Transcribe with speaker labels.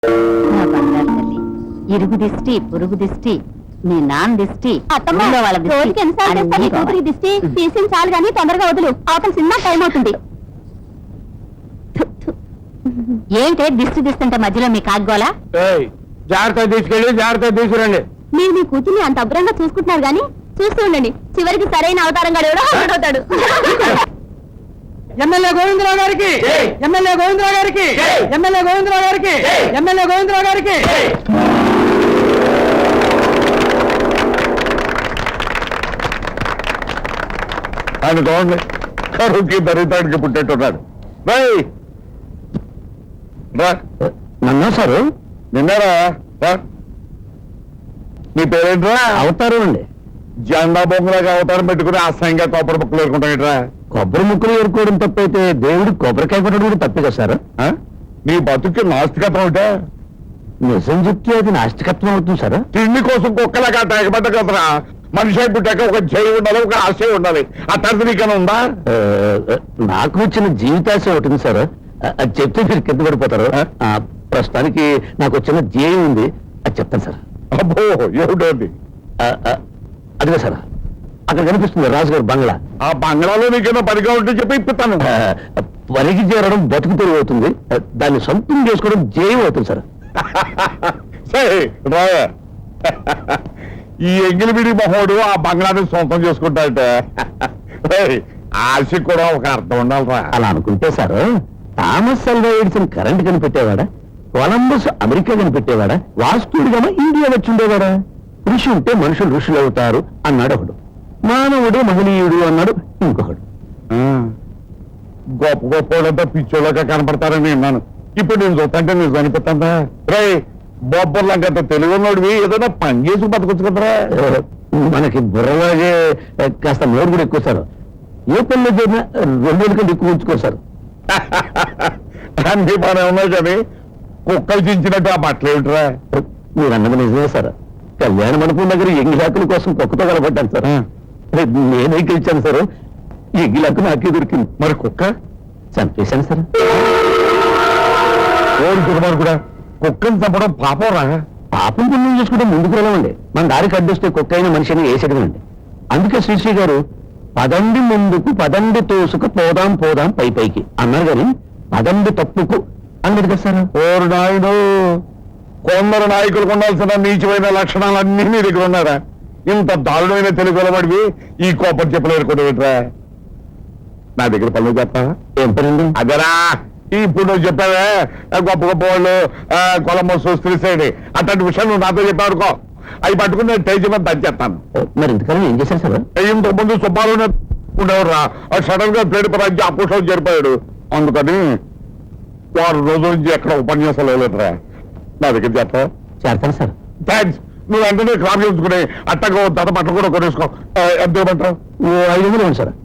Speaker 1: నా బంగారు తల్లి, ఇరుగు దిష్టి పొరుగు దిష్టి మీ నాన్న దిష్టి ఊళ్ళో వాళ్ళ దిష్టి అన్నీ పోవాలి.
Speaker 2: దిష్టి తీసి చాలు గానీ తొందరగా వదులు, అవతల సినిమా టైం అవుతుంది.
Speaker 1: ఏంటే దిష్టి దిస్తుంటే మధ్యలో మీ కాగ్గోలా?
Speaker 3: జాగ్రత్త తీసుకెళ్ళి జాగ్రత్త తీసుకురండి.
Speaker 2: మీరు మీ కూతుర్ని అంత అభ్రంగా చూసుకుంటున్నారు గానీ చూస్తూ ఉండండి, చివరికి సరైన అవతారంగా ఎవడో అవుతాడు.
Speaker 3: ఎమ్మెల్యే గోవిందరావు గారికి, ఎమ్మెల్యే గోవిందరావు గారికి, ఎమ్మెల్యే గోవిందరావు గారికి, ఎమ్మెల్యే గోవిందరావు గారికి. ఆయన చూడండి, కరువుకి దరిద్రానికి పుట్టేట్టున్నాడు. నన్నా సారు నిన్నారా? మీ పేరేంట్రా? అవతారం అండి. జెండా బొమ్మలాగా అవతారం పెట్టుకుని అసహ్యంగా కొబ్బరి ముక్కలు ఏరుకుంటాయిట్రా. కొబ్బరి ముక్కలు ఏరుకోవడం తప్పైతే దేవుడు కొబ్బరికాయ కొట్టడం కూడా తప్పే కదా సార్? నీ బతుక్కి నాస్తికత్వం అంటే నిజం చెప్తే అది నాస్తికత్వం అవుతుంది సార్. తిండి కోసం కుక్కలాగా తెగబడ్డ కదరా. మనిషి పుట్టాక ఒక జై ఉండాలి, ఒక ఆశయం ఉండాలి. ఆ తర్వాత నీకన్నా ఉందా? నాకు వచ్చిన జీవితాశ ఉంటుంది సార్, అది చెప్తే మీరు కింద పడిపోతారు. ప్రస్తుతానికి నాకు వచ్చిన ధ్యేయం ఉంది, అది చెప్తాను సార్. అబ్బో ఏమిటోది? అదిగా సార్, అక్కడ కనిపిస్తుంది రాజుగారు బంగ్లా. ఆ బంగ్లాలో నీకేమో పనిగా ఉంటే చెప్పి ఇప్పుతాను. పనికి చేరడం బతుకు తెరువు అవుతుంది, దాన్ని సొంతం చేసుకోవడం ధ్యేయం అవుతుంది సార్. సరే రాయా, ఈ ఎంగిలిబిడి మహోడు ఆ బంగ్లాని సొంతం చేసుకుంటాడట. ఆశ కూడా ఒక అర్థం ఉండాలరా. అలా అనుకుంటే sir, Thomas Alva Edison current కనిపెట్టేవాడా, కొలంబస్ అమెరికా కనిపెట్టేవాడా, వాస్తుడిగా ఇండియా వచ్చి ఉండేవాడా? ఋషి ఉంటే మనుషులు ఋషులు అవుతారు అన్నాడు ఒకడు, మానవుడు మహనీయుడు అన్నాడు ఇంకొకడు. గొప్ప గొప్ప వాళ్ళంతా పిచ్చోళ్ళగా కనపడతారని విన్నాను. ఇప్పుడు నేను చూస్తాంటే నేను చనిపోతాందా? రే బొబ్బర్లంకంత తెలుగున్నోడివి, ఏదైనా పని చేసి బతకొచ్చు కదరా. మనకి బుర్రలాగే కాస్త నోరు కూడా ఎక్కువ సార్. ఏ పనిలో చేరినా 2,000 కంటే ఎక్కువ ఉంచుకోరు. అన్ని బాగా ఉన్నాయి కానీ కుక్కలు చించినట్టు ఆ బట్టలు ఏమిట్రా? మీరు అన్నది నిజమే సార్. కళ్యాణ మండపం దగ్గర ఎంగిలాకుల కోసం కుక్కతో కలబడ్డాను సార్. నేనే గెలిచాను సార్. ఎంగిలాకు నాకే దొరికింది. మరి కుక్క చంపేశాను సార్. ఓడి కూడా కుక్కను చంపడం పాపం రా. పాపం పుణ్యం చేసుకుంటే ముందుకు వెళ్ళమండి. మన దారికి అడ్డొస్తే కుక్క అయిన మనిషిని వేసేటమండి. అందుకే శ్రీశ్రీ గారు పదండి ముందుకు పదండి తోసుకు పోదాం పోదాం పై పైకి అన్నారు కానీ పదండి తప్పుకు అన్నది కదా సార్. ఓరు నాయుడు, కొందరు నాయకులకు ఉండాల్సిన నీచమైన లక్షణాలన్నీ మీ దగ్గర ఉన్నారా? ఇంత దారుణమైన తెలుగు వెలబడివి ఈ కోపం చెప్పలేరుకుంటా. నా దగ్గర పనులు చెప్తా. ఏం పనండి? అదరా ఇప్పుడు నువ్వు చెప్పావే గొప్ప గొప్ప వాళ్ళు కొలంబస్ శ్రీశైలి అట్లాంటి విషయాలు నువ్వు నాతో చెప్పావుకో, అవి పట్టుకుని నేను టేజ్ మీద దంచేస్తాను. మరి ఇంతకాలం ఏం చేశారు సార్? ఇంతకు ముందు సుబ్బారావు ఉండేవారు రా. సడన్ గా ప్లేట్ పరాజీ అపోషం జరిపాడు. అందుకని 6 రోజుల నుంచి ఎక్కడ ఉపన్యాసాలు వేయలేదురా. నా దగ్గర చేస్తాను సార్. థ్యాంక్స్. నువ్వు వెంటనే క్రాప్ చేసుకుని అట్టగా దత బట్టలు కూడా కొనేసుకో. ఎంత ఇవ్వమంటావు? 500 ఇవ్వండి సార్.